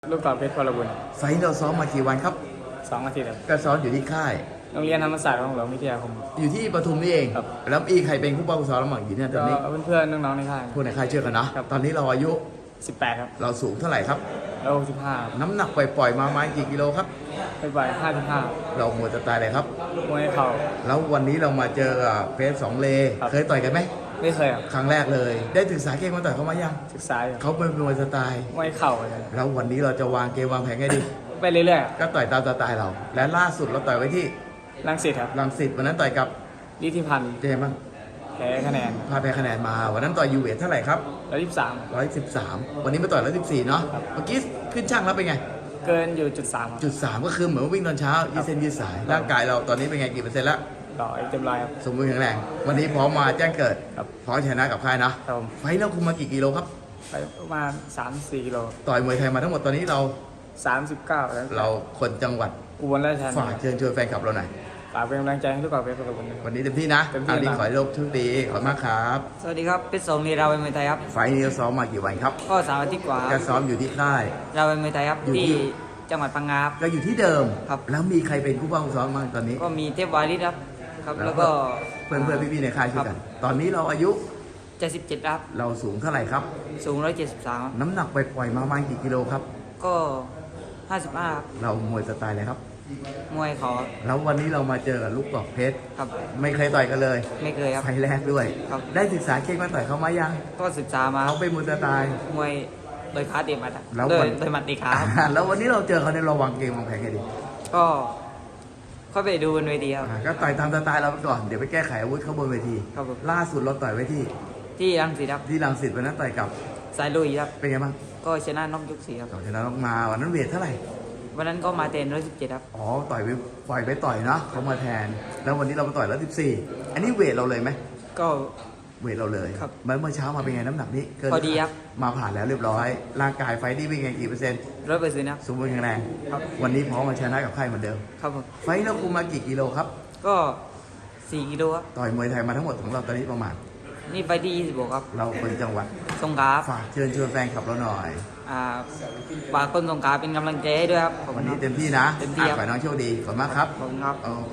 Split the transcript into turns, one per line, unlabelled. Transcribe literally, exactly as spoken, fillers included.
ลูกกอล์ฟเพชรพลบุญ
ไฟท์เราซ้อมมากี่วันครับ
สองอาทิตย์ครับ
ก็ซ้อมอยู่ที่ค่าย
โรงเรียนธรรมศาสตร์ของหลวงวิทยาคม
อยู่ที่ปทุมนี่เอง
ครับ
แล้วอีใครเป็นผู้ป้องกันซ้อมระหว่างอยู่เนี่ยตอนนี้
เพื่อนๆน้องๆในค่าย
พวกในค่ายเชื่อกันนะครับตอนนี้เราอายุ
สิบแปดครับ
เราสูงเท่าไหร่ครับ
แล้วสิบห้า
น้ำหนักปล่อยๆมาไม้กี่กิโลครับ
ไปบ่ายห้าสิบห้า
เราหมดจะตายเลยครับ
มวยเข่า
แล้ววันนี้เรามาเจอเพชรสองเลเคยต่อยกันไหม
ไม่เคยครับ
ครั้งแรกเลยได้ศึกษาเกมมาต่อยเขามายัง
ศึกษาอยู่
เขาเป็นมวยสไตล์
มวยเข่าเลย
แล้ววันนี้เราจะวางเกมวางแผนไงดี
ไปเรื่อย
ๆก็ต่อยตามสไตล์เราและล่าสุดเราต่อยไว้ที่
รังสิตครับ
รังสิตวันนั้นต่อยกับ
ลิทธิพันธ์
เจมั้ง
แพ้คะแนน
พาแพ้คะแนนมาวันนั้นต่อยยูเวทเท่าไหร่ครับ
ร้อยยี่สิบสาม
ร้อยสิบสามวันนี้มาต่อยร้อยสิบสี่เนาะเมื่อกี้ขึ้นช่างแล้วเป็นไง
เกินอยู่จุดสาม
จุดสามก็คือเหมือนวิ่งตอนเช้ายืดเส้นยืดสายร่างกายเราตอนนี้เป็นไงกี่เปอร์เซ็นต์แล้ว
ต่อยเต็มร้อยครับ
สมบูรณ์แข็งแรงวันนี้พร้อมมาแจ้งเกิดพร้อมชนะกับค่ายนะครับ
ผม
ไฟเราคุมมากี่กิโลครับ
ไปประมาณสามสี่กิโล
ต่อยมวยไทยมาทั้งหมดตอนนี้เรา
สามสิบเก้าแล้ว
เราคนจังหวัด
อุบลราชธานี
ฝากเชิญชวนแฟนคลับเราหน่อย
ฝากเป็นกำลังใจให้ทุกคนเป็นกำลังใจ
วันนี้เต็มที่นะ
เต็มที่
ขอให้โชคดีขอบคุณมากครับ
สวัสดีครับเพชรสองนีเราเป็นมวยไทยครับ
ไฟนี้ซ้อมมากี่วันครับ
ก็สามอาทิตย์กว่า
ก็ซ้อมอยู่ที่ค่าย
เราเป็นมวยไทยครับที่จังหวัดพังงาครับ
ก็อยู่ที่เดิม
ครับ
แล้วมีใครเป็นผู้ป้องกันซ้อมบ้างตอนนี้
ก็มีเทพวาริสครับครับแล้วก็
เพื่อนเพื่อนพี่ๆในค่ายช่วยกันตอนนี้เราอายุ
เจ็ดสิบเจ็ดครับ
เราสูงเท่าไหร่ครับ
สูงร้อยเจ็ดสิบสาม
น้ำหนักไปปล่อยมาประมาณกี่กิโลครับ
ก็ห้าสิบห้า
เรามวยสไตล์อะไรครับ
มวยเขา
แล้ววันนี้เรามาเจอกับลูกกอกเพชร
ครับ
ไม่เคยต่อยกันเลย
ไม่เคยครับ
ไฟแรกด้วย
ครับ
ได้ศึกษาเก่งมาต่อยเขามายัง
ก็ศึกษามา
เขาเป็นมวยสไตล์
มวยโดยขาเตะมัด
โดย
โดยมัดตีขา
แล้ววันนี้เราเจอเขาในระวังเกมวางแผนไงดี
ก็เข้าไปดูบนเวทีครับ
ก็ต่อยตามสไตล์เราไปก่อนเดี๋ยวไปแก้ไขอาวุธเขาบนเวที
ครับ
ล่าสุดเราต่อยไว้ที่
ที่รังสิตครับ
ที่รังสิตวันนั้นต่อยกับ
สายลุยครับ
เป็นไงบ้าง
ก็ชนะน็อกยกสี่ครับ
ชนะน็อกมาวันนั้นเวทเท่าไหร่
วันนั้นก็มาเตนร้อยสิบเจ็ดครับ
อ๋อต่อยไปปล่อยไปต่อยเนาะเขามาแทนแล้ววันนี้เรามาต่อยร้อยสิบสี่อันนี้เวทเราเลยไหม
ก็
เวทเราเลย
ครับ
เมื่อเช้ามาเป็นไงน้ำหนักนี้
เกินพอดีครับ
มาผ่านแล้วเรียบร้อยร่างกายไฟนี่เป็นไงกี่เปอร์เซ็นต์
ร้อยเปอร์เซ็นต์ครับ
สมบูรณ์แข็งแรงครับวันนี้พร้อมมาชนะกับใครเหมือนเดิม
ครับผม
ไฟเราคุมมากี่กิโลครับ
ก็สี่กิโลครับ
ต่อยมวยไทยมาทั้งหมดของเราตอนนี้ประมาณ
นี่ไปที่ยี่สิบหกครับ
เราคนจังหวัด
สงขลา
ฝากเชิญชวนแฟนคลับเราหน่อย
อ่าฝากคนสงขลาเป็นกำลังใจให้ด้วยครับ
วันนี้เต็มที่นะ
เต็มที่ครับ
ขอให้น้องโชคดีขอบคุณมากครับ
ขอบคุณครับ